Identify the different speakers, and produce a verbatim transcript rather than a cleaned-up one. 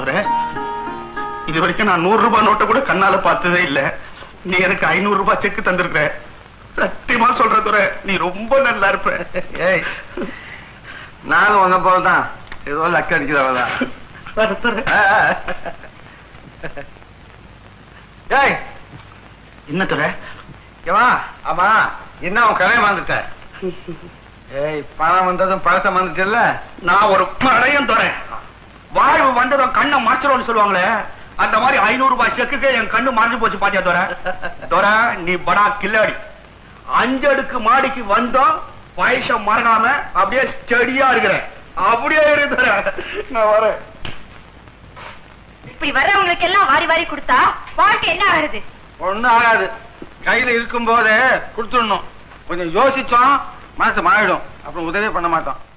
Speaker 1: துரை, இது வரைக்கும் நான் நூறு ரூபாய் நோட்டை கூட கண்ணால பார்த்ததே இல்ல. நீ எனக்கு ஐநூறு ரூபாய் செக்கு தந்திருக்க. சத்தியமா சொல்ற துரை, நீ ரொம்ப நல்லா இருப்ப.
Speaker 2: ஏய், நானும் வந்த போதுதான் ஏதோ லக்க அடிக்கிறவதான். ஏய்,
Speaker 1: என்ன துரை?
Speaker 2: ஆமா, என்ன உன் கடையை வந்துட்ட? ஏய், பணம் வந்ததும் பழசம் வந்துட்டல.
Speaker 1: நான் ஒரு படையும் துரை. வாழ்வு வந்ததும் கண்ணை மறைச்சிடும்னு சொல்லுவாங்களே, அந்த மாதிரி ஐநூறு ரூபாய் செக்குக்கு என் கண்ணு மறைஞ்சு போச்சு பாத்தியா துரை? துரை, நீ படா கில்லாடி. அஞ்சடுக்கு மாடிக்கு வந்தோம், வயசம் மறக்காம அப்படியே ஸ்டடியா இருக்கிறேன். அப்படியே இருக்கிற நான் வரேன்.
Speaker 3: இப்படி வர்றவங்களுக்கு எல்லாம் வாரி வாரி கொடுத்தா வாழ்க்கை என்ன ஆகுது?
Speaker 2: ஒண்ணும் ஆகாது. கையில இருக்கும் போதே கொடுத்துடணும். கொஞ்சம் யோசிச்சோம், மனசு மாறிடும். அப்புறம் உதவி பண்ண மாட்டோம்.